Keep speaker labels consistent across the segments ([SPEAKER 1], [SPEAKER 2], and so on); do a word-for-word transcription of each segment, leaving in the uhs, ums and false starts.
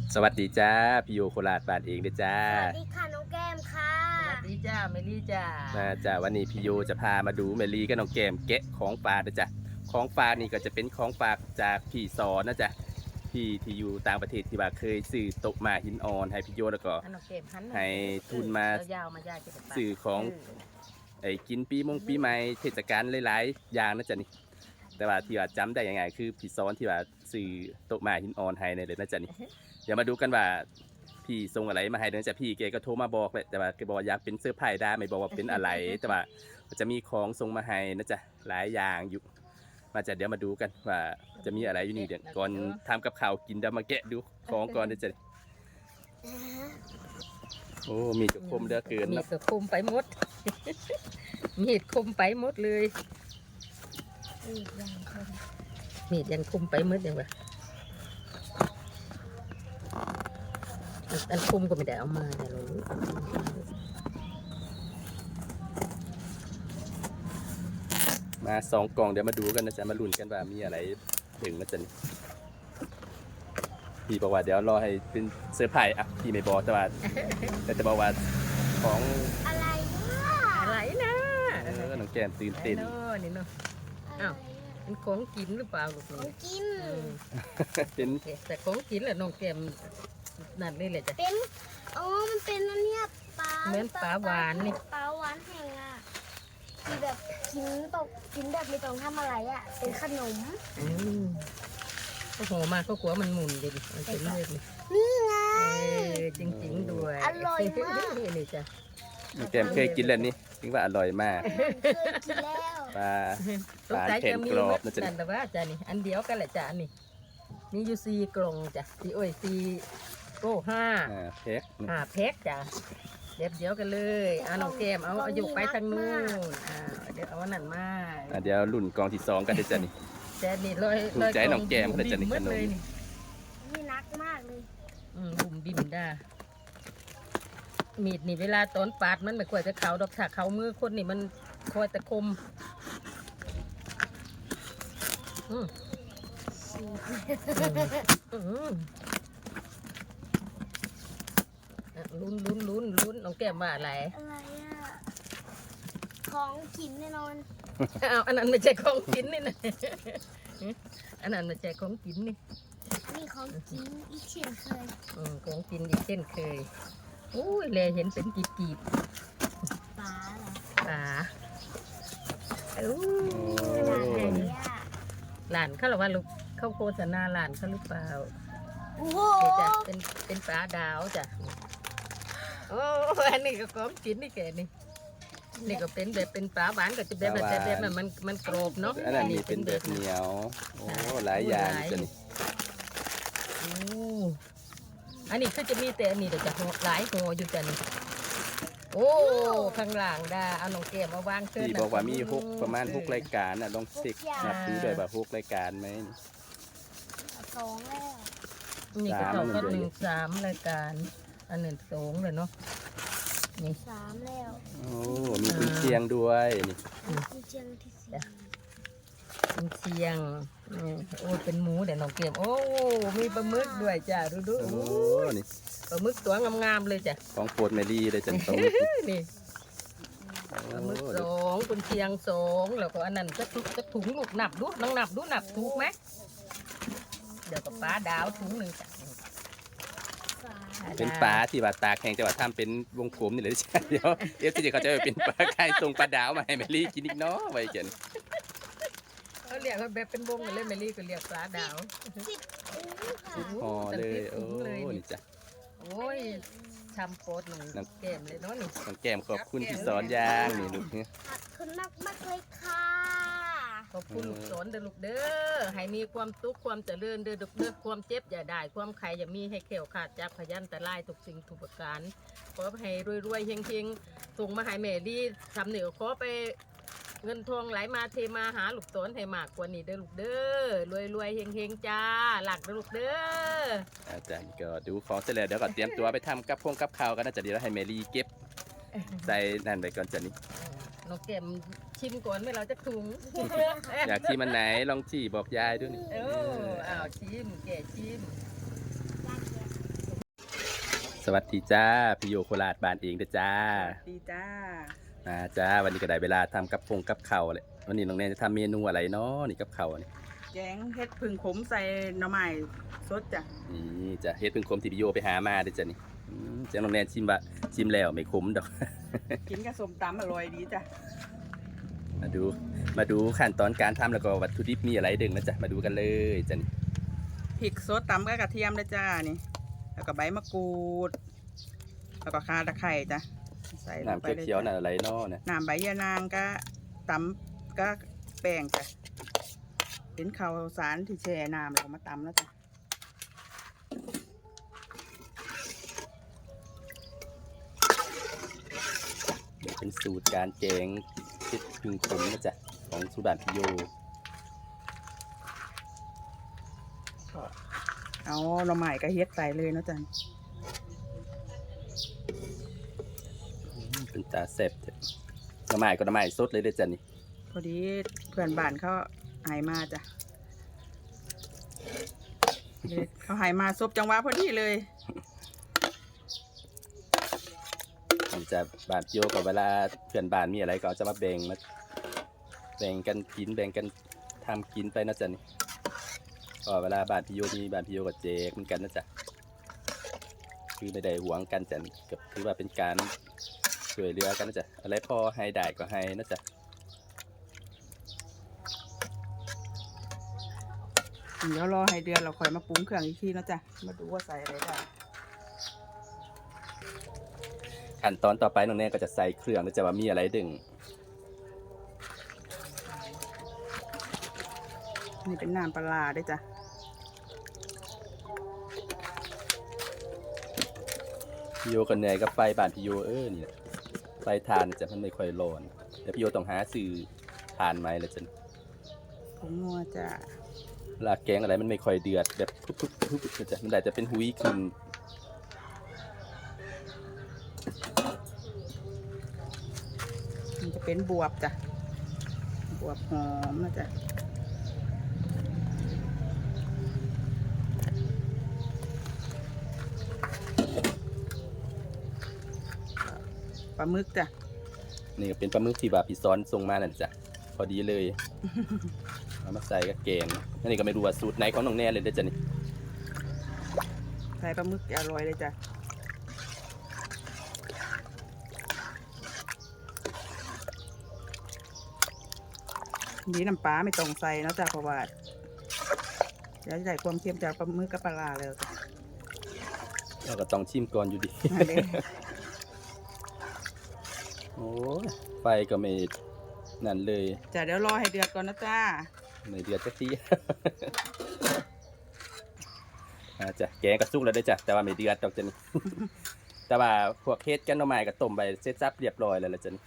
[SPEAKER 1] สวัสดีจ้าพี่โยโคราชบ้านเองเด้อจ้า
[SPEAKER 2] สวัสดีค่ะน้องแก้มค่ะ
[SPEAKER 3] สวัสดีจ้าเมลี่จ้า
[SPEAKER 1] มาจ้าวันนี้พี่โยจะพามาดูเมลีกับน้องแก้มแกะของฝากนะจ้ะของฝากนี่ก็จะเป็นของฝากจากพี่สอนนะจ้ะพี่ที่อยู่ต่างประเทศที่ว่าเคยซื้อโต๊ะหม้าหินอ่อนให้พี่โยแล้วก็
[SPEAKER 3] อันน้องเก็บหัน
[SPEAKER 1] ให้ทุนมา
[SPEAKER 3] เยาวมาจ้าเก็บไป
[SPEAKER 1] ซื้อของไอ้กินปีมงปีใหม่เทศกาลหลายๆอย่างนะจ๊ะนี่แต่ว่าที่ว่าจำได้ยังไงคือพี่ซ้อนที่ว่าซื้อโต๊ะหม้าหินอ่อนให้ในเลยนะจ๊ะนี่เดี๋ยวมาดูกันว่าพี่ส่งอะไรมาให้เดี๋ยวจะพี่แกก็โทรมาบอกแหละแต่ว่าแกบอกอยากเป็นเสื้อผ้าได้ไม่บอกว่าเป็นอะไร แต่ว่าจะมีของส่งมาให้นะจ๊ะหลายอย่างอยู่มาจะเดี๋ยวมาดูกันว่าจะมีอะไรอยู่นี่เดี๋ยวก่อนทำกับข้าวกินเดี๋ยวมาแกะดูของก่อนนะจ๊ะโอ้มีจุกคมเด้อเกิน
[SPEAKER 3] มี
[SPEAKER 1] นะ
[SPEAKER 3] ดก็คมไปหมด มีดคมไปหมดเลยมีดยังคมไปหมดยังวะอันคมก็ไม่ได้เอามาแต่เรารู้
[SPEAKER 1] มาสองกล่องเดี๋ยวมาดูกันนะจ๊ะมาลุ้นกันว่ามีอะไรถึงนะจ๊ะนี่พี่บอกว่าเดี๋ยวรอให้เป็นเซอร์ไพรส์อ่ะพี่ไม่บอกแต่ว่าแต่จะบอกว่าของ
[SPEAKER 2] อะไรเนี่ย
[SPEAKER 3] อะไรนะ
[SPEAKER 1] เออน้องแก้มตื่นเต้น
[SPEAKER 3] ไอ้โน่นี่เนาะ อ้าว เป็นของกินหรือเปล่าลูก
[SPEAKER 2] ขอ
[SPEAKER 3] นี่
[SPEAKER 2] งกิน
[SPEAKER 3] อืม
[SPEAKER 1] เป็น
[SPEAKER 3] แต่ของกินแหละน้องแก้มนั่นเลยแหละจ้ะ
[SPEAKER 2] เป็นอ๋อมันเป็นอันเนี้ยปลา
[SPEAKER 3] เหมือนปลาหวานนี่
[SPEAKER 2] ปลาหวานแห้งอ่ะที่แบบกินตกกินแบบไม่ต้องทำอะไรอ่ะเป็นขนม
[SPEAKER 3] อืมก็โหมาก็กลัวมันหมุนเลยดิมันเป็นเลยดิ
[SPEAKER 2] นี่ไง
[SPEAKER 3] เออจริงๆด้วย
[SPEAKER 2] อร่อยมาก
[SPEAKER 3] นี่จ้ะ
[SPEAKER 1] น้องแก้มเคยกินแล้วนี่ถึงว่าอร่อยมาก
[SPEAKER 2] เคยกินแล้ว
[SPEAKER 1] ปลา
[SPEAKER 3] สงสัยจะมี
[SPEAKER 1] กรอบ
[SPEAKER 3] มั
[SPEAKER 1] นะ
[SPEAKER 3] ด
[SPEAKER 1] จ๊ะ
[SPEAKER 3] นั่นแต่ว่าจ้ะนี่อันเดียวกันแหละจ้ะนี่มีอยู่สี่กล่องจ้ะสี่โอ้ยสี่โก้ห้า
[SPEAKER 1] อ่าเพ็ก
[SPEAKER 3] ห้าแพ็คจ้ะเดี๋ยวเดียวกันเลยเอาน้องแก้มเอาเอาอยู่ไปทางนู้นอ่าเดี๋ยวเอาอันนั้นมา
[SPEAKER 1] อ่ะเดี๋ยวรุ่นกล่องที่สองกันเดี๋ยวจะนี่
[SPEAKER 3] แต่นี่ลอย
[SPEAKER 1] ถูกใจน้องแก้มเลยจ้ะนี่
[SPEAKER 3] บิ่ม
[SPEAKER 1] ขนม
[SPEAKER 3] เลยนี่
[SPEAKER 2] นี่นักมากเลย
[SPEAKER 3] อืมบุ่มบิ่มได้มีดนี่เวลาตอนปาดมันไม่ควรจะเขาดอกถ้าเขามือคนนี่มันคอยตะคมอืมอืมอ่ะลุ้นลุ้นลุ้นลุ้นน้องแก้มว่าอะไร
[SPEAKER 2] อะไรอ่ะของกินแน่นอน
[SPEAKER 3] อ้าวอันนั้นไม่ใช่ของกินนี่นะอันนั้นไม่ใช่ของกินนี่
[SPEAKER 2] นี่ของกินอีกเช่นเคย
[SPEAKER 3] อืมของกินอีกเช่นเคยอุ้ยเลยเห็นเป็นกีบกีบ
[SPEAKER 2] ปลาเหรอ
[SPEAKER 3] ๆปลาอู้
[SPEAKER 2] ขนาดไหนอ่ะ
[SPEAKER 3] หลานเขาหรอว่าลูกเขาโฆษณาหลานเขาหรือเปล่า
[SPEAKER 2] โอ้โห
[SPEAKER 3] นี่จ้ะเป็นเป็นปลาดาวจ้ะโอ้อันนี้ก็ของกินนี่แกนี่นี่ก็เป็นแบบเป็นปลาหวานก็จะแบบแบบแบบแบบมันมันกรอบเนาะ
[SPEAKER 1] อันนั้นนี่เป็นแบบเหนียวโอ้หลายอย่างจ้ะนี่
[SPEAKER 3] โอ้อันนี้คือจะมีแต่อันนี้เดี๋ยวจะห่อหลายห่ออยู่จ้ะนี่โอ้ข้างหลังได้เอาน้องแก้มมาวางเชิญ
[SPEAKER 1] พี่บอกว่ามีหกประมาณหกรายการน่ะลองเช็คนับดูด้วยว่าหกรายการไหม
[SPEAKER 2] สองแล้ว
[SPEAKER 3] นี่ก็เท่ากับ
[SPEAKER 1] สาม
[SPEAKER 3] หนึ่งสามรายการอันหนึ่งสองเลยเนาะนี่
[SPEAKER 2] สามแล้ว
[SPEAKER 1] โอ้มีกุนเชียงด้วยนี่
[SPEAKER 2] มีเชียงที่สี่
[SPEAKER 3] เป็นเชียงนี่โอ้เป็นหมูเดี๋ยวน้องเกมโอ้มีปลาหมึกด้วยจ้ะดูดู
[SPEAKER 1] โอ้
[SPEAKER 3] โอ้ย
[SPEAKER 1] นี่
[SPEAKER 3] ปลาหมึกตัวงามๆเลยจ้ะ
[SPEAKER 1] ของโปรดเมลี่เลยจันโต
[SPEAKER 3] นี่ปลาหมึกสองกุนเชียงสองแล้วก็อันนั้นจะถุงจะถุงลูกนับดูน้องนับดูนับถูกไหมเดี๋ยวกับปลาดาวถุงหนึ่งจ้ะ
[SPEAKER 2] สาม
[SPEAKER 1] เป็นปลาที่ว่าตากแห้งจะว่าทำเป็นวงกลมนี่เลยจ้ะเดี๋ยวเอฟซีเขาจะไปเป็นปลาไข่ตรงปลาดาวมาให้เมลี่กินอีกเนาะไว้เจน
[SPEAKER 3] เขาเรียกว่าแบบเป็นวงกันเลยเมลี่ก็เรียกปลาดาว
[SPEAKER 2] สิบถุงค่ะ
[SPEAKER 1] สิบห่อเลยโอ้นี่จ้ะ
[SPEAKER 3] โอ้ยทำโปรดหนึ่ง
[SPEAKER 1] น้อง
[SPEAKER 3] แก้มเลยเนาะนี่
[SPEAKER 1] น้องแก้มขอบคุณที่สอนย่างนี่ลูกเนี่ย
[SPEAKER 2] ขอบคุณมากมากๆเลยค่ะ
[SPEAKER 3] ขอบคุณลูกสอนเด้อลูกเด้อให้มีความสุขความเจริญเด้อลูกเด้อความเจ็บอย่าได้ความใครอย่ามีให้เขียวขาดจากพยันแต่ลายทุกสิ่งทุกประการขอให้รวยๆเฮงๆส่งมาให้แม่ดีทำเหนือขอไปเงินทองไหลมาเทมาหาลูกสอนให้มากกว่านี้เด้อลูกเด้อรวยๆเฮงๆจ้าหลักเด้อลูกเด้อ
[SPEAKER 1] อาจารย์ก็ดูของเสร็จแล้วเดี๋ยวก็เตรียมตัวไปทำกับพงกับข้าวกันนะจ๊ะเดี๋ยวให้เมลี่เก็บใส่นั่นไปก่อนจ้ะนี่
[SPEAKER 3] น้องแก้มชิมก่อนไม่เราจะถุง
[SPEAKER 1] อยากที่มันไหนลองจี้บอกยายด้วยนี่
[SPEAKER 3] เอออ้าวชิมแก่ชิม
[SPEAKER 2] ย
[SPEAKER 1] สวัสดีจ้าพี่โยโคราชบ้านเองเด้อจ้า
[SPEAKER 4] ดีจ้า
[SPEAKER 1] มาจ้าวันนี้ก็ได้เวลาทำกับพงกับข้าวเลยวันนี้น้องแนนจะทำเมนูอะไรเนาะนี่กับข้าวนี่
[SPEAKER 4] แกงเห็ดผึ่งขมใส่หน่อไม้สดจ้ะ
[SPEAKER 1] นี่จะเฮ็ดเป็นคมที่พี่โยไปหามาเด้อจ้ะนี่อืมจ้าน้องแนนชิมบะชิมแล้วไม่ขมดอก
[SPEAKER 4] กินกับส้มตำอร่อยดีจ้ะ
[SPEAKER 1] มาดูมาดูขั้นตอนการทำแล้วก็วัตถุดิบมีอะไรดึงนะจ๊ะมาดูกันเลยจ้ะนี่
[SPEAKER 4] พริกสดตำกับกระเทียมเลยจ้านี่ แล้วก็ใบมะกรูด แล้วก็ข่าตะไคร้จ้ะใส่ลง
[SPEAKER 1] น้ำ
[SPEAKER 4] ไปเลย
[SPEAKER 1] เขียวๆน่ะ
[SPEAKER 4] จ้ะ
[SPEAKER 1] อะไรเนาะเนี่ย
[SPEAKER 4] น้ำใบยะนางก็ตำก็แป้งจ้ะเป็นข้าวสารที่แช่น้ำแล้วก็มาตำแล้วจ้ะ
[SPEAKER 1] เดี๋ยวเป็นสูตรการแกงเฮ็ดพึ่งขมนะจ๊ะของสุบานพี่โย
[SPEAKER 4] เอาหน่อไม้ก็เฮ็ดใส่เลยเนาะจ้ะ
[SPEAKER 1] อืมเป็นตาแซ่บเถอะหน่อไม้ก็หน่อไม้สดเลยเด้อจ้ะนี่
[SPEAKER 4] พอดีเพื่อนบ้านเขาใหายมาจ้ะเลยเขาใหายมาซบจังหวะพอดีเลย
[SPEAKER 1] มันจะบานพี่โยกับเวลาเพื่อนบ้านมีอะไรก็จะมาแบ่งมาแบ่งกันกินแบ่งกันทำกินไปนะจ๊ะนี่ก็เวลาบ้านพี่โยมีบ้านพี่โยกับเจกเหมือนกันนะจ๊ะคือไม่ได้หวงกันจ้ะก็ถือว่าเป็นการช่วยเหลือกันนะจ๊ะอะไรพอให้ได้ก็ให้นะจ๊ะ
[SPEAKER 4] เดี๋ยวรอให้เดือนเราค่อยมาปรุงเครื่องอีกทีเนาะจ้ะ มาดูว่าใส่อะไรได้
[SPEAKER 1] ขั้นตอนต่อไปน้องแน่ก็จะใส่เครื่องนะจ๊ะว่ามีอะไรดึง
[SPEAKER 4] นี่เป็นน้ำปลาร้าด้วยจ้ะ
[SPEAKER 1] พี่โยก็เหนื่อยกับไฟบ้านพี่โยเออนี่แหละไฟทานจะมันไม่ค่อยร้อนแต่พี่โยต้องหาซื้อทานไหมละจ๊ะ
[SPEAKER 4] ผงนัวจ้ะ
[SPEAKER 1] เวลาแกงอะไรมันไม่ค่อยเดือดแบบปุ๊บปุ๊บปุ๊บปุ๊บจะมันอาจจะเป็นหุยขึ้น
[SPEAKER 4] มันจะเป็นบวบจ้ะ บวบหอมนะจ้ะ ปลาหมึกจ้ะ
[SPEAKER 1] นี่ก็เป็นปลาหมึกที่บาพี่ซ้อนส่งมานั่นจ้ะพอดีเลย เอามาใส่กับแกงอันนี้ก็ไม่รู้ว่าสูตรไหนของน้องแน่เลยเด้อจ้ะนี่
[SPEAKER 4] ใส่ปลาหมึกอร่อยเลยจ้ะ นี่น้ำปลาไม่ต้องใส่เนาะจ้ะเพราะว่าเดี๋ยวจะได้ความเค็มจากปลาหมึกกับปลาร้าแล้วจ้ะ
[SPEAKER 1] เราก็ต้องชิมก่อนอยู่ดี
[SPEAKER 4] มาเลย
[SPEAKER 1] โอ้ยไฟก็ไม่นั่นเลย
[SPEAKER 4] จ้ะเดี๋ยวรอให้เดือดก่อนนะจ้า
[SPEAKER 1] ไม่เดือดสักที อาจ้ะแกงกระซุกแล้วได้อจ้ะแต่ว่าไม่เดือดดอกจ้ะนี่ แต่ว่าพวกเฮ็ดกันหน่อไม้ก็ต้มไปเสร็จสับเรียบร้อยแล้วล่ะจ้ะนี่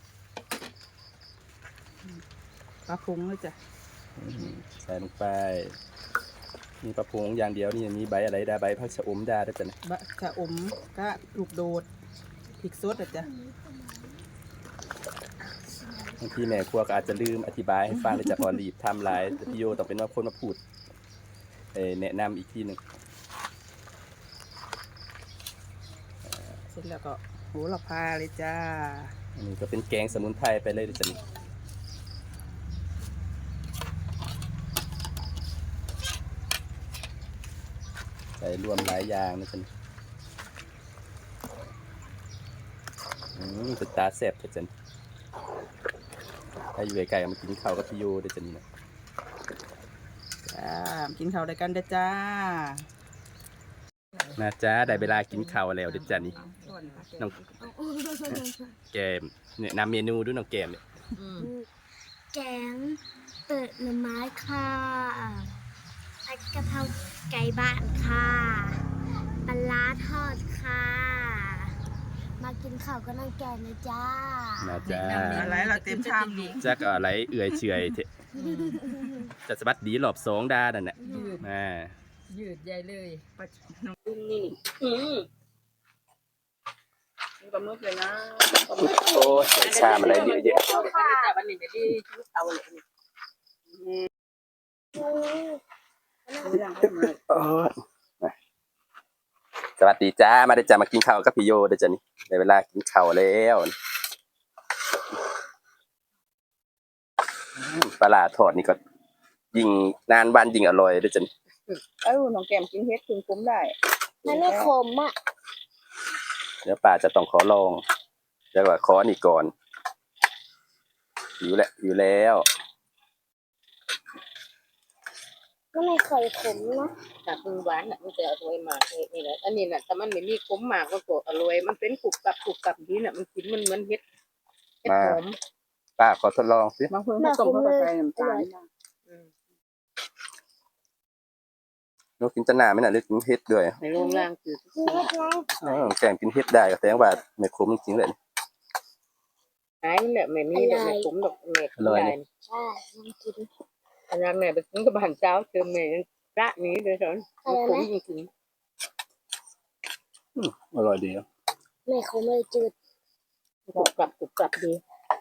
[SPEAKER 4] ปลาพุงเลยจ้ะ
[SPEAKER 1] อืมใส่ลงไป มีปลาพงอย่างเดียวนี่มีใบอะไรดาใบผักชะอมดาด้วยจ้ะนะ
[SPEAKER 4] บะชะอมก็ลูกโดดพริกสดอ่ะจ้ะ
[SPEAKER 1] บางทีแม่ครัวก็อาจจะลืมอธิบายให้ฟังเลยจ้ะพอรีบทำหลายแต่พี่โยต้องเป็นว่าคนมาพูดเอ่อแนะนำอีกทีหนึ่ง
[SPEAKER 4] เสร็จแล้วก็โหระพาเลยจ้า
[SPEAKER 1] อันนี้ก็เป็นแกงสมุนไพรไปเลยจ้ะนี่ใส่รวมหลายอย่างนะจ๊ะนี่อืมเป็นตาแซ่บจ้ะจ๊ะนี่ถ้าอยู่ไกลๆก็มากินข้าวกับพี่โยเด้อจ้ะนี่นะ
[SPEAKER 4] จ้ากินข้าวด้วยกันเด้อจ้า
[SPEAKER 1] นะจ๊ะได้เวลากินข้าวแล้วเด้อจ้ะนี่น้องแกมเนี่ยนำเมนูด้วยน้องแกมเนี่ย
[SPEAKER 3] อืม
[SPEAKER 2] แกงเปิดหน่อไม้ค่ะผัดกะเพราไก่บ้านค่ะปลาร้าทอดค่ะ มากินข้าวก็นั่งแกงเลยจ้า
[SPEAKER 1] นะจ๊ะ
[SPEAKER 4] อะไรเราเต็มชามอยู่
[SPEAKER 1] จักอะไรเอื่อยเฉอยเถอะจะสะบัดดีหลอบสองดานั่นแหละ
[SPEAKER 3] ยืด
[SPEAKER 1] อ่า
[SPEAKER 3] ยืดใหญ่เลย
[SPEAKER 4] ปลาน้องดุ้งนี่
[SPEAKER 3] อืม
[SPEAKER 4] นี่ปลาหมึกเลยนะ
[SPEAKER 1] โอ้ยใส่ชามอะไรเยอะแยะ
[SPEAKER 3] เอาเลยจ้ะวันนี้เดี๋ยวดีชุดเอาเลยนี่
[SPEAKER 4] ดูอย่างให้มา
[SPEAKER 1] โอ้ยสวัสดีจ้ามาได้จ้ามากินข้าวกับพี่โยเด้อจ้ะนี่ได้เวลากินข้าวแล้วอืมปลาร้าทอดนี่ก็ยิ่งนานวันยิ่งอร่อยเด้อจ้ะนี่
[SPEAKER 4] เอ้าน้องแก้มกินเฮ็ดถึงคุ้มได้
[SPEAKER 2] มันไม่ขมอ่ะ
[SPEAKER 1] เดี๋ยวป้าจะต้องขอลองเดี๋ยวว่าขอนี่ก่อนอยู่แล้วอยู่แล้ว
[SPEAKER 2] ก็ไม่เคยขมนะ
[SPEAKER 3] จากมือหวานน่ะมันจะอร่อยมากเลยนี่แหละอันนี้น่ะถ้ามันไม่มีขมมากมันก็อร่อยมันเป็นกรุบกรับกรุบกรับดีน่ะมันกินมันเหมือนเฮ็ดเฮ็ดหอม
[SPEAKER 1] ป้าขอทดลองสิ
[SPEAKER 4] บางคนเขาต้มเขาก็ใส่น้ำตาลนะ
[SPEAKER 3] อืม
[SPEAKER 1] หนูกินจะหนาไหมน่ะหรือกินเฮ็ดด้วย
[SPEAKER 3] ในโรงล่างคือ
[SPEAKER 2] นี่ไง
[SPEAKER 1] อ๋อแกงกินเฮ็ดได้ก็แสดงว่าไม่ขมจริงๆเลย
[SPEAKER 3] หายมันแหละไม่มีแบบไม่ขมดอกแม่
[SPEAKER 1] อร่อย
[SPEAKER 3] ได้
[SPEAKER 1] ดิ
[SPEAKER 2] ใช่ลองกิน
[SPEAKER 3] อันนั้นแม่ไปกินกับบ้านเจ้าเจอแม่พระนี้เลยสอนมันขมจริง
[SPEAKER 1] อืมอร่อยดีนะ
[SPEAKER 2] ไม่ขมเลยจืด
[SPEAKER 3] ๆกรุบกรับกรุบกรับดี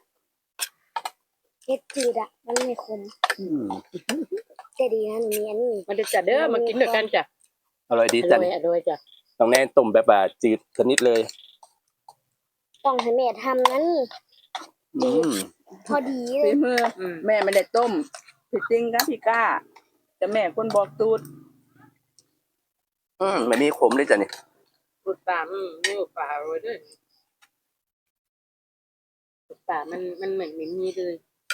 [SPEAKER 2] เฮ็ดจืดอ่ะมันไม่ขม
[SPEAKER 1] อืม
[SPEAKER 2] แต่ดีนะหนูมีอันนี้
[SPEAKER 3] มันจะจัดเด้อมากินด้วยกันจ้ะ
[SPEAKER 1] อร่อยดี
[SPEAKER 3] อ
[SPEAKER 1] จ้ะ
[SPEAKER 3] ร่อย
[SPEAKER 1] นี่
[SPEAKER 3] อร่อยจ้ะ
[SPEAKER 1] ต้องแน่ต้มแบบว่าจืดชนิดเลย
[SPEAKER 2] ต้องให้แม่ทำนั้น
[SPEAKER 1] อืม
[SPEAKER 2] พอดีเล
[SPEAKER 4] ฝี
[SPEAKER 2] ย
[SPEAKER 4] มือ
[SPEAKER 3] อืม
[SPEAKER 4] แม่ไม่ได้ต้มผิดจริงครับพี่ก้าแต่แม่คนบอกตูด
[SPEAKER 1] อืมไม่มีขมเลยจ้ะนี่
[SPEAKER 3] กรุบปลาอืมนี่กรุบปลาอร่อยด้วยกรุบปลามันมันเหมือนไม่มีเลย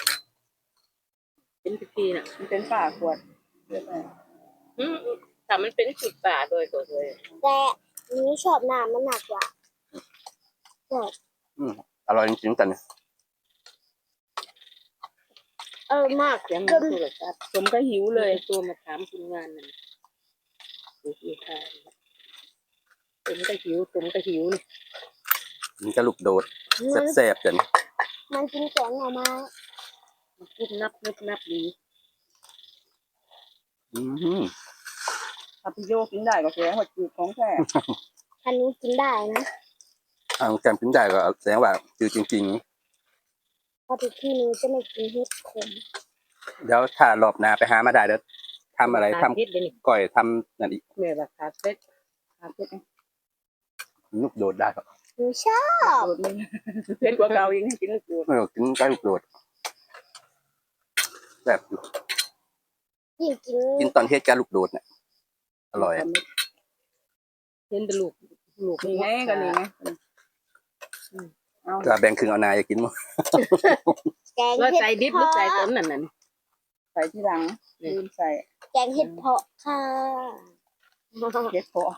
[SPEAKER 3] เป็นพิธีน่ะ
[SPEAKER 4] มันเป็นฝ่าขวดเรียกอะไร
[SPEAKER 3] อืมแต่มันเป็นกรุบปลาโดยตัวเลย
[SPEAKER 2] แต่หนูชอบน้ำมันหนักกว่าชอบ
[SPEAKER 1] อืมอร่อยจริงๆจ้ะนี่
[SPEAKER 2] เออมาก
[SPEAKER 3] เสียง
[SPEAKER 2] จ
[SPEAKER 3] มัน
[SPEAKER 2] น
[SPEAKER 3] คือแบบว่า
[SPEAKER 4] ผมก็หิว
[SPEAKER 3] เล
[SPEAKER 4] เลย ย
[SPEAKER 3] ตัวมาถามคุณงานนั่นดูที่ค่าผมก็หิวผมก็หิวนี่
[SPEAKER 1] มันจะลูกโดด
[SPEAKER 2] มัน
[SPEAKER 1] แซ่บๆจ้ะนี่
[SPEAKER 2] มันกินแกงหน่อไม้
[SPEAKER 3] มันนุบนับนุบนับดี
[SPEAKER 1] อืม
[SPEAKER 4] ถ้าพี่โยกินได้ก็แสดงว่าจืดของแท้
[SPEAKER 2] อันนี้กินได้นะ
[SPEAKER 1] เอาแกงกินได้ก็แสดงว่าจืดจริง
[SPEAKER 2] เพอทุกที่หนูจะไม่กินเฮ็ดขม
[SPEAKER 1] ๆเดี๋ยวถ้ารอบหน้าไปหามาได้เดี๋ยวทำอะไรทำ
[SPEAKER 3] พิษเลยนี่
[SPEAKER 1] ก่อยทำนั่นอีก
[SPEAKER 3] แม่ว่าขาดเซ็ต
[SPEAKER 4] ขาดเผ็ดไหม
[SPEAKER 1] ลูกโดดได้ครับ
[SPEAKER 2] หนูชอบ
[SPEAKER 4] โดดมึงเผ็ดกว่าเก่าอีกให้กินลูกโดด
[SPEAKER 1] ไม่ต้องกินใกล้ลูกโดดแบบอยู่
[SPEAKER 2] ยิ่งกิน
[SPEAKER 1] กินตอนเฮ็ดกับลูกโดดเนี่ยอร่อยอะ
[SPEAKER 3] เห็นแต่ลูกลูก
[SPEAKER 4] นี่ไงก็นี่ไงเอา
[SPEAKER 1] ก็แบ่งครึ่งเอานายจะกินมั้ง
[SPEAKER 2] แกง
[SPEAKER 3] แล้ว
[SPEAKER 2] เห็ด
[SPEAKER 3] ใส่ดิบห
[SPEAKER 2] เพ
[SPEAKER 3] รือ
[SPEAKER 2] าะ
[SPEAKER 3] ใส่ต้นนั่นน่ะ
[SPEAKER 4] ใส่ที่หลังลืมใส่
[SPEAKER 2] แกงเห็ดเพาะค่ะ
[SPEAKER 4] เผ็ดพอง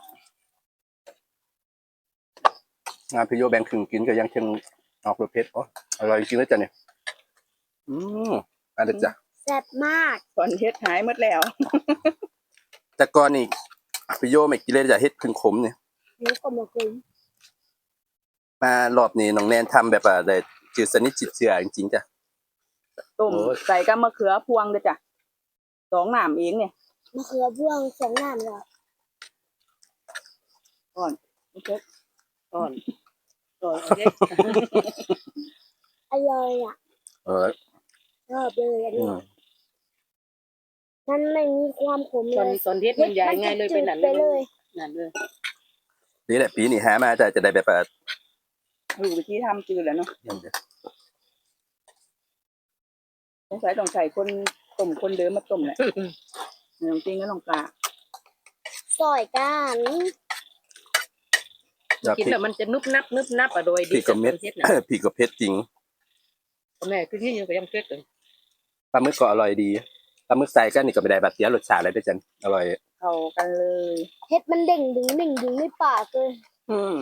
[SPEAKER 1] านพี่โยแบ่งครึ่งกินก็ยังเชิงออกรสเผ็ดอ๋ออร่อยจริงๆเลยจ้ะเนี่ยอืมอันเด็ดจ้ะ
[SPEAKER 2] แซ่บมาก
[SPEAKER 4] ตอนเฮ็ดหายหมดแล้ว
[SPEAKER 1] แต่ก่อนนี่พี่โยไม่กินเลยจ้ะเฮ็ดครึ่งขมเนี่ย
[SPEAKER 2] หนูก็มากิน
[SPEAKER 1] มารอบนี้น้องแนนทำแบบว่าได้จืดสนิทจิตเชื่อจริงๆจ้ะ
[SPEAKER 4] ต้ม
[SPEAKER 1] โอ้ย
[SPEAKER 4] ใส่กับมะเขือพวงเลยจ้ะสองหนามเองเนี่ย
[SPEAKER 2] มะเขือพวงสองน้ำเลย
[SPEAKER 4] ก่อนโอเค
[SPEAKER 3] ก่อนก่อนเด็
[SPEAKER 2] อร่อยอ่ะ
[SPEAKER 1] เออ
[SPEAKER 2] ชอบเลยอัน
[SPEAKER 1] อื
[SPEAKER 2] นี้
[SPEAKER 1] ม
[SPEAKER 2] มันไม่มีความขม
[SPEAKER 3] ต
[SPEAKER 2] เล
[SPEAKER 3] อน
[SPEAKER 2] ย
[SPEAKER 3] ตอนเฮ็ดมันใหญ่ไงเลยเป็นนั่น
[SPEAKER 2] ไปเลย
[SPEAKER 3] นั่นเลย
[SPEAKER 1] นี่แหละปีนี้หามาจะจะได้แบบว่า
[SPEAKER 4] รู้วิธีทำจืดแล้วเนาะ
[SPEAKER 1] อย่างเดียว
[SPEAKER 4] สงสัยต้องใส่คนต้มคนเดิมมาต้มแหละน้องจริงก็ลองกา
[SPEAKER 2] ซอยกัน
[SPEAKER 1] แล้ว
[SPEAKER 3] กิน
[SPEAKER 1] พริก
[SPEAKER 3] แล้วมันจะนุบนับนุบนับอ่ะโดย
[SPEAKER 1] พริ
[SPEAKER 3] ดี
[SPEAKER 1] กกับเม็ด
[SPEAKER 3] เฮ็ดน่ะ
[SPEAKER 1] พริกกับเผ็ดจริง
[SPEAKER 3] แม่คือที่ยังก็ยังเผ็ดเลย
[SPEAKER 1] ปลาหมึกก็อร่อยดีปลาหมึกใส่ก็นี่ก็ไม่ได้แบบเสียรสชาติอะไรด้วยจันอร่อย
[SPEAKER 4] เข้ากันเลย
[SPEAKER 2] เฮ็ดมันเด้งดึงเด้งดึงในปากเลย
[SPEAKER 1] อืม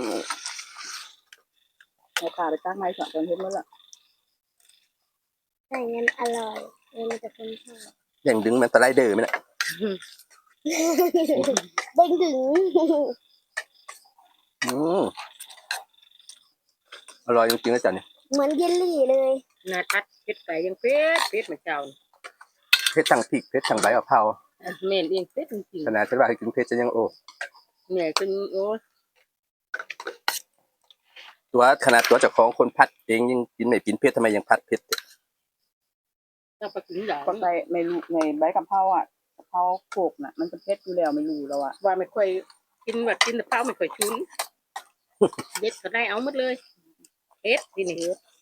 [SPEAKER 4] เอาขาไปตั้งไม้สองตอนเฮ็ดหมดละ
[SPEAKER 2] ใช่งั้นอร่อยเออมันจะคนชอบ
[SPEAKER 1] อย่างดึงมันสไลเดอร์ไหมน่ะ
[SPEAKER 2] เด้งดึง
[SPEAKER 1] อืมอร่อยจริงๆนะจันเนี่ย
[SPEAKER 2] เหมือนเยลลี่เลย
[SPEAKER 3] หน้าตัดเผ็ดไปยังเผ็ดเผ็ดเหมือนเจ้า
[SPEAKER 1] เผ็ดทั้งพริกเผ็ดทั้งใบกะเพรา
[SPEAKER 3] แม่นเองเผ็ดจริง
[SPEAKER 1] ขนาดฉันว่าให้กินเผ็ดจะยังโอ้
[SPEAKER 3] ๆแม่เป็นโอ้
[SPEAKER 1] ตัวขนาดตัวเจ้าของคนพัดเองยังกินไม่กินเผ็ดทำไมยังพัดเผ็ด
[SPEAKER 3] เจ้าไปกินหลาย
[SPEAKER 4] ก็ใส่ไม่รู้ในใบกะเพราอ่ะกะเพราโขกน่ะ มันจะเผ็ดอยู่แล้วไม่รู้แล้วอ่ะ
[SPEAKER 3] ว่าไม่ค่อยกินแบบกินแต่เปล่าไม่ค่อยชุนเด็ดก็ได้เอาหมดเลยเอ็ดทีนี้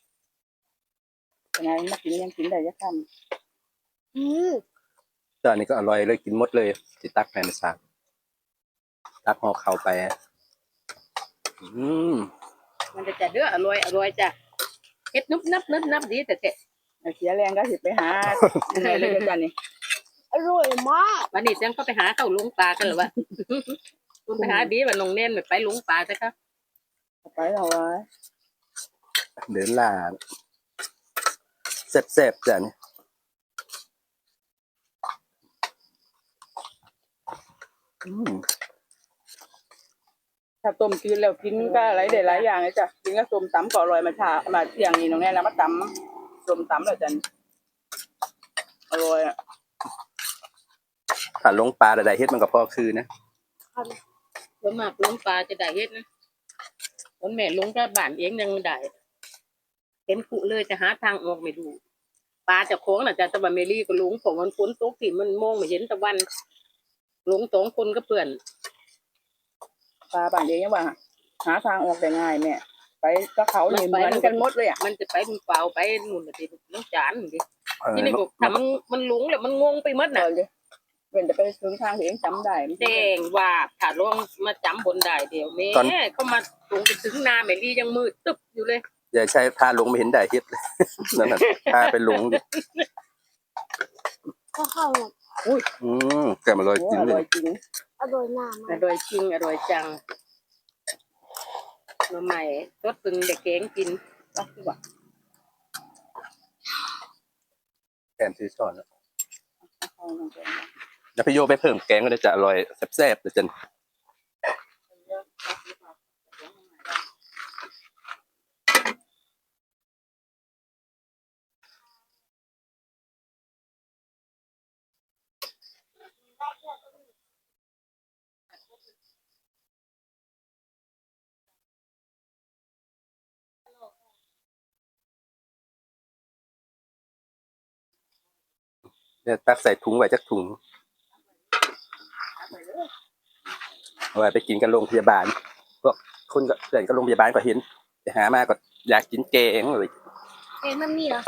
[SPEAKER 4] ยังไงมากินยังกินได้ยักษ์
[SPEAKER 2] อืม
[SPEAKER 1] ตอนนี้ก็อร่อยเลยกินหมดเลยสิตักแผ่นสากตักห่อเข้าไปอืม
[SPEAKER 3] มันจะจะเด้ออร่อยอร่อยจ้ะเอ็ดนุบนับนุบนับดีแต่แต่
[SPEAKER 4] เสียแรงก็สิไปหาอะไรเลยจ้ะนี่
[SPEAKER 2] อร่อยมาก
[SPEAKER 3] วันนี้จังก็ไปหาเข้าลุงปลากันหรือวะ คุณไปหาดีว่าน้องเน่นไปลุงปลาจ้ะครับ
[SPEAKER 4] ไปเอาไว้
[SPEAKER 1] เดินล่าแซ่บๆจ้ะนี่อืม
[SPEAKER 4] ถ้าต้มกินแล้วกินก็หลายได้หลายอย่างเลยจ้ะกินก็ต้มตำก็อร่อยมาชามาเที่ยงนี่น้องแน่แล้วมาตำต้มตำแล้วจ้ะอร่อยอ่ะ
[SPEAKER 1] ถ้าลงปลาใดๆเฮ็ดมันก็พอคือนะ
[SPEAKER 3] ส่วนมากลุงปลาจะได้เฮ็ดนะคนแม่ลุงก็บ้านเองยังไม่ได้เห็นขุเลยจะหาทางออกไม่ดูปลาจะโค้งน่ะจะตะวันเมลี่ก็ลุงผมมันฝนตกที่มันมองไม่เห็นตะวันลุงสองคนก็เปื่อน
[SPEAKER 4] ปลาบ้านเองยังว่าหาทางออกได้ง่ายแม่ไปก็เขาเนี่ยเหมือนกันหมดเลยอ่ะ
[SPEAKER 3] มันจะไปมันเปล่าไปนู่นน่ะสิน้องจานนี่ดิ
[SPEAKER 1] เออ
[SPEAKER 3] ที่นี่ก็ทำมันมันหลงแล้วมันงงไปหมด
[SPEAKER 4] เอ
[SPEAKER 3] น่ะ
[SPEAKER 4] อเลยเป็นจะไปถึงทางที่เองจำได้มัน
[SPEAKER 3] แจ้งว่าถ้าลงมาจำบนได้เดี๋ยวแม่เขามาลงไปถึงนาแม่ลี่ยังมืดตึ๊บอยู่เลย
[SPEAKER 1] อย่าใช้พาลงไม่เห็นได้เฮ็ดเลย นั่นน่ะพาไปลงดิ
[SPEAKER 2] ก็เข้าหมด
[SPEAKER 1] อืมแกมาลอย
[SPEAKER 4] โอ้
[SPEAKER 1] กิน
[SPEAKER 4] อ
[SPEAKER 1] เล
[SPEAKER 4] ร่อย ยจริง
[SPEAKER 2] อร่อยหน้า
[SPEAKER 3] อ
[SPEAKER 2] มาก
[SPEAKER 3] ร่อยจริงอร่อยจังมาใหม่รสปึงเด็กเก๋งกิน
[SPEAKER 4] ก็คือว่า
[SPEAKER 1] แกมซื้อช้อนแล้วแล้วพี่โยไปเพิ่มแกงก็จะอร่อยแซ่บๆเลยจัน เนี่ยตักใส่ถุงไว้จักถุงเอาไว้ไปกินกันโรงพยาบาลพวกคนก็เพื่อนก็โรงพยาบาลก็เห็นไปหามาก็อยากกินแกงเลย
[SPEAKER 2] เอ๊ะมันมีเหรอ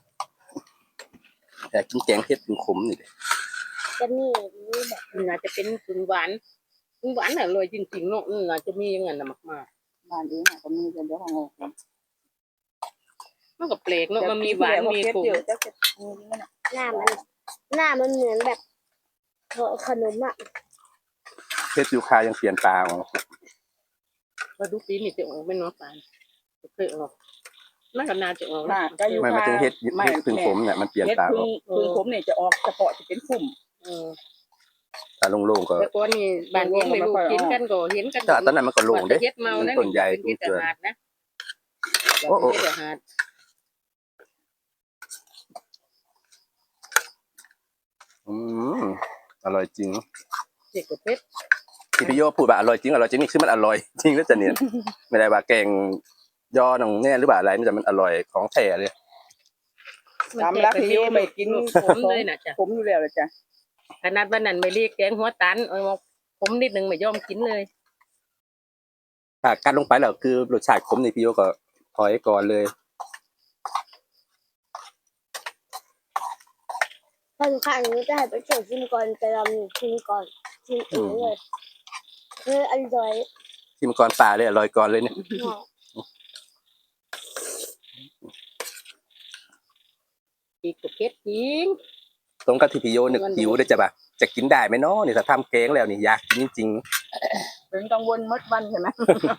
[SPEAKER 1] อยากกินแกงเผ็ดขมๆนี่เลย
[SPEAKER 2] จะมีมีแบบ
[SPEAKER 3] มันอาจจะเป็นปึงหวานปึงหวานน่ะอร่อยจริงๆเนาะอืมอาจจะมีอย่างนั้นน่ะมาก
[SPEAKER 4] บ้านเองอะก็มีเป็นเจ้าของโรง
[SPEAKER 3] ๆมันก็แปลกเนาะมันมีหวานมีขม
[SPEAKER 4] เยอะจะเก็บนั่นน่ะ
[SPEAKER 2] หน้ามันหน้ามันเหมือนแบบขนมอ่ะ
[SPEAKER 1] เผ็ดยูคายังเปลี่ยนตาออก
[SPEAKER 3] มาดูปีนี่จะออกไม่น้อยปานเคยออกมันก็น่าจะออก
[SPEAKER 4] หน้าก็อยู่
[SPEAKER 1] ไม่มาถึงเฮ็ดเฮ็ดพึ่งขมเนี่ยมันเปลี่ยน
[SPEAKER 4] เฮ็ด
[SPEAKER 1] ตาอ
[SPEAKER 4] พึ่
[SPEAKER 1] อง ก
[SPEAKER 4] พึ่งผมเนี่ยจะออกเฉพาะที่เป็นพุ่ม
[SPEAKER 3] เออ
[SPEAKER 1] ตาโล่งๆก็
[SPEAKER 3] แต่ก่อนนี่บ้านเองไม่รู้กินกันก็เห็นกัน
[SPEAKER 1] แต่ตอนนั้นมันก็โล่งเด้
[SPEAKER 3] เฮ็ดเมานะ
[SPEAKER 1] ต้นใหญ่
[SPEAKER 3] เป็นเฮ็ด
[SPEAKER 1] เกิน
[SPEAKER 3] อาหารนะ
[SPEAKER 1] โอ้โอ้
[SPEAKER 3] เฮ็ดอาหาร
[SPEAKER 1] อืมอร่อยจริง
[SPEAKER 3] เด็กกับเป็ด
[SPEAKER 1] ที่พี่โยพูดว่าอร่อยจริงอร่อยจริงนี่คือมันอร่อยจริงแล้วจะเนี่ยไม่ได้ว่าแกงยอหนังแน่หรือว่าอะไรมันจะมันอร่อยของแท้เลย
[SPEAKER 4] ตามรักที่โยไม่กิน
[SPEAKER 3] ผมเลยน่ะจ้ะ
[SPEAKER 4] ผมอยู่แล้วเลยจ้ะ
[SPEAKER 3] ขนาดวันนั้นไม่เรียกแกงหัวตันเอามาผมนิดนึงไม่ยอมกินเลย
[SPEAKER 1] ถ้ากัดลงไปแล้วคือรสชาติขมนี่พี่โยก็ถอยก่อนเลย
[SPEAKER 2] ถ้าทุกครั้งนี้จะให้ไปเฉยชิมก่อนแต่เราชิมก่อนชิมเองเลยคืออร่อย
[SPEAKER 1] ที่มังกรป่าเลยอร่อยก่อนเลยเนี่ย
[SPEAKER 2] มาก
[SPEAKER 3] อีกกับเป็ดจริง
[SPEAKER 1] ตรงกับที่พี่โยนึกหิวได้จะแบบจะกินได้ไหมเนาะนี่ถ้าทำแกงแล้วนี่อยากกินจริง
[SPEAKER 4] เป็นกังวลมดวันใช่ไหม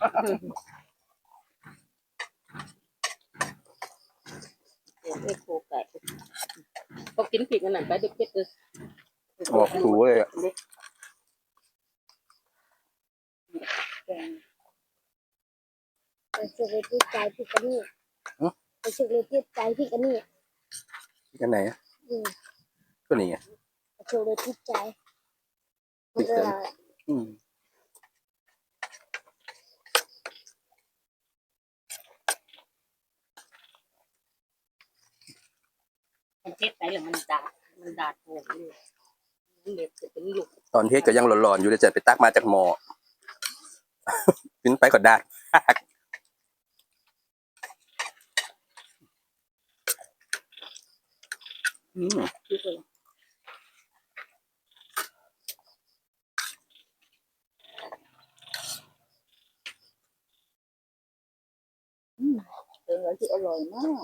[SPEAKER 3] เด็กไม่โคไก่ก็กินผิดกันนั่นไปเด็กเป็ดเลย
[SPEAKER 1] ๆออกถูเลยอะ
[SPEAKER 2] ไปเฉยที่ใจพี่กันนี่ไปเฉยที่ใจพี่กันนี่
[SPEAKER 1] กันไหนอะ
[SPEAKER 2] อืม
[SPEAKER 1] ก็นี่ไง
[SPEAKER 2] ไปเฉยที่ใจมันก็อร่อย
[SPEAKER 1] อืม
[SPEAKER 3] มันเป็ดไปแล้วมันดาดมันดาดโผล่เลยมันเด็กจะเป็นลูก
[SPEAKER 1] ตอนเทศก็ยังร้อนๆอยู่เลยจะไปตักมาจากหม้อกินไปก็ได้ อืม
[SPEAKER 4] ที่สุดอืมเป็นอะไรที่อร่อยมาก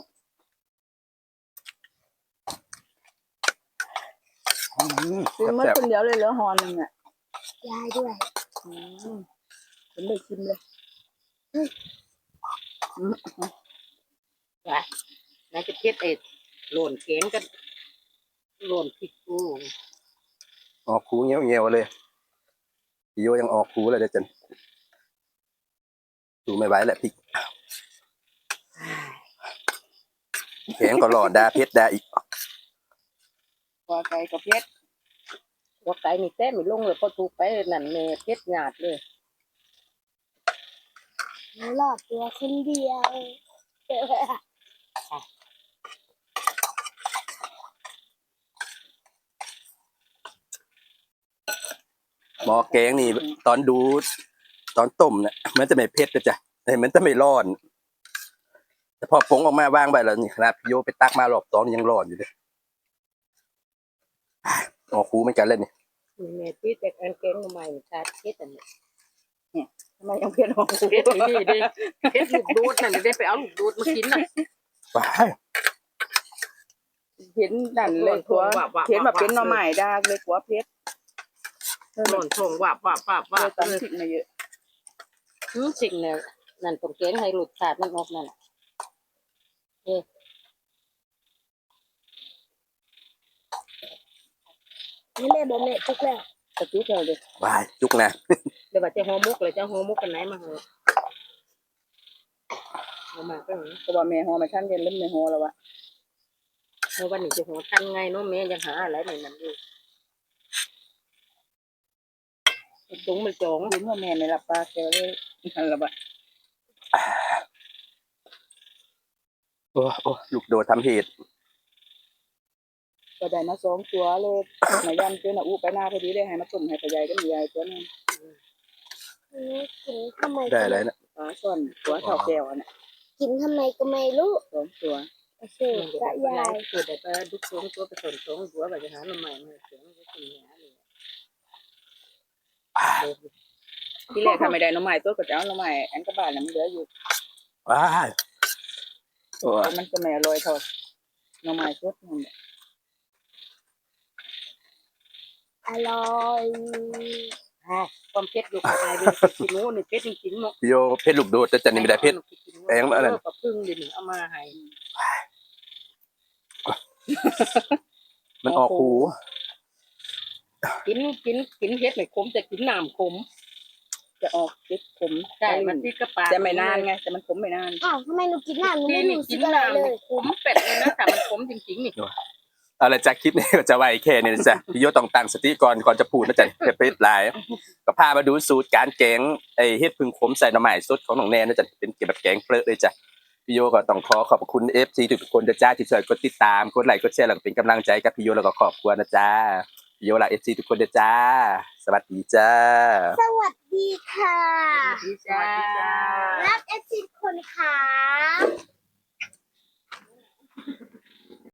[SPEAKER 1] อืม
[SPEAKER 4] กินเมื่อ
[SPEAKER 1] แซ่บ
[SPEAKER 4] คนเดียวเลยเหลือหอหนึ่งอ่ะ
[SPEAKER 2] ยายด้วย
[SPEAKER 4] อืมผมได้ชิมเลยอืม
[SPEAKER 3] ว่าน่าจะเพ็ดเอ็ดโหล่นแกงกันโหล่นพริกกู
[SPEAKER 1] ๆออกคูเงี้ยวเงี้ยวๆเลยพี่โยยังออกคูเลยเดี๋ยวจันดูไม่ไหวแหละพริกแข็งก็หลอดดาเพชรดาอีก
[SPEAKER 4] ปลาไก่กับเพชร
[SPEAKER 3] ว่าไก่นี่แต้ไม่ลงเลยพอถูกไปนั่นแม่เพ็ดหยาดเลย
[SPEAKER 2] หนูหลอดตัวคนเดียว
[SPEAKER 1] หมอแกงนี่ตอนดูตอนต้มเนี่ยมันจะไม่เผ็ดนะจ๊ะแต่มันจะไม่ร้อน แต่พอผงออกมาวางไปแล้วนี่ครับพี่โยไปตักมารอบตอนยังร้อนอยู่เลยออกคูเหมือนกันเลยนี่
[SPEAKER 3] แม่ที่แต่อันแกงใหม่ชาติเพ็ดอันนี้
[SPEAKER 4] ทำไมยังเพชรหอม
[SPEAKER 3] เพ็ดนี่ดิเพ็ดลูกดูดนั่นได้ไปเอาลูกดูดมากินน่ะ
[SPEAKER 1] ว้าย
[SPEAKER 4] เห็นดันเลยตัวเห็นแบบเป็นหน่อไม้ดากเลยกว่าเพชร
[SPEAKER 3] หล่นส่งว่าว่าว่า
[SPEAKER 4] ว่า
[SPEAKER 3] ว่า
[SPEAKER 4] ตำพริกมาเยอะ
[SPEAKER 3] อืมสิ่งเนี่ยนั่นตรงแกงให้หลุดขาดมันออกนั่นน่ะเอ๊ะ
[SPEAKER 2] นี่แม่บอกแม่ทุกแล้ว
[SPEAKER 4] กระจุกเลย
[SPEAKER 1] ว้ายจุกนะ
[SPEAKER 3] เดี๋ยวว่าจะห่อมุกเลยจะห่อมุกกันไหนมาเหอะเอามาก็เหอะ
[SPEAKER 4] ก็ว่าแม่หอมาท่านเย็นเริ่มในหอแล้ววะ
[SPEAKER 3] เพราะวันนี้จะห่อทันไงเนาะแม่ยังหาอะไรในนั้นอยู่ตรงมันจอง
[SPEAKER 4] คุณว่าแม่ในรับปลาแกเลยนั่นละวะ
[SPEAKER 1] โอ้โอ้ลูกโดดทำเหตุ
[SPEAKER 4] ก็ได้มาสองตัวเลยมายันเจ้าหน้าอู้ไปหน้าพอดีได้ให้มาต้มให้ปลาใหญ่ก็มีใหญ่ตัวนึง
[SPEAKER 2] หนูกินทำไม
[SPEAKER 1] ได้อะไรนะ
[SPEAKER 4] ปลาส่วนตัวเท่าแก้วอันน่ะ
[SPEAKER 2] กินทำไมก็ไม่รู้
[SPEAKER 4] สองตัว
[SPEAKER 2] โอเคกะยาย
[SPEAKER 3] เกิดแต่ปลาดุกสองตัวไปสนสองตัวไปจะหาหน่อใหม่มาเสียงก็กินหาเลย
[SPEAKER 4] ที่แรกทำไม่ได้หน้ำไม้ตัวก็จะเอาหน้ำไม้อันกระบาลน่ะมันเหลืออยู่
[SPEAKER 1] ว้ายโอ้
[SPEAKER 4] แต่มันจะไม่อร่อยเท่าหน้ำไม้สดนั่นแหละ
[SPEAKER 2] อร่อย
[SPEAKER 3] ความเผ็ดอยู่กับอะไรเป็นกินโน่นเผ็ดจริงๆเนาะ
[SPEAKER 1] พี่โยเพชรลูกโดดแต่จันนี่ไม่ได้เพชร แพงมากเลย
[SPEAKER 3] ปลาพึ่งดิเอามาให้
[SPEAKER 1] มันออกคู
[SPEAKER 3] กินกินกินเผ็ดไม่ขมแต่กินน้ำขม
[SPEAKER 4] จะออกติดขม
[SPEAKER 3] ใช่มันที่กระปา
[SPEAKER 4] จะไม่นานไงแต่มันขมไม่นาน
[SPEAKER 2] อ้าวทำไมหนูกินน้ำหนู
[SPEAKER 3] ที่
[SPEAKER 2] ไม่
[SPEAKER 3] นี่
[SPEAKER 2] รู้สึ
[SPEAKER 3] กิ
[SPEAKER 2] ก
[SPEAKER 3] น
[SPEAKER 2] อะไร
[SPEAKER 3] น้ำ
[SPEAKER 2] เล
[SPEAKER 3] นี่
[SPEAKER 2] ย
[SPEAKER 3] ขมเป็ดเลยนะแต่มันขมจริงๆนี่
[SPEAKER 1] เอาละจากคลิปนี้ก็จะไว้แค่นี้นะจ๊ะพี่โยต้องตั้งสติก่อนก่อนจะพูดนะจ๊ะจะไปหลายก็พามาดูสูตรการแกงไอ้เฮ็ดพึ่งขมใส่หน่อไม้สดของน้องแนนนะจ๊ะเป็นเกี่ยวกับแกงเปลือกเลยจ้ะพี่โยก็ต้องขอขอบคุณ เอฟ ซี ทุกๆคนนะจ๊ะที่ช่วยกดติดตามกดไลค์กดแชร์แล้วก็เป็นกำลังใจกับพี่โยแล้วก็ครอบครัวนะจ๊ะพี่โยลา เอฟ ซี ทุกคนนะจ๊ะสวัสดีจ้า
[SPEAKER 2] สวัสดีค่ะ
[SPEAKER 3] สวัสดีจ้า
[SPEAKER 2] รักเอฟซีคนค่ะ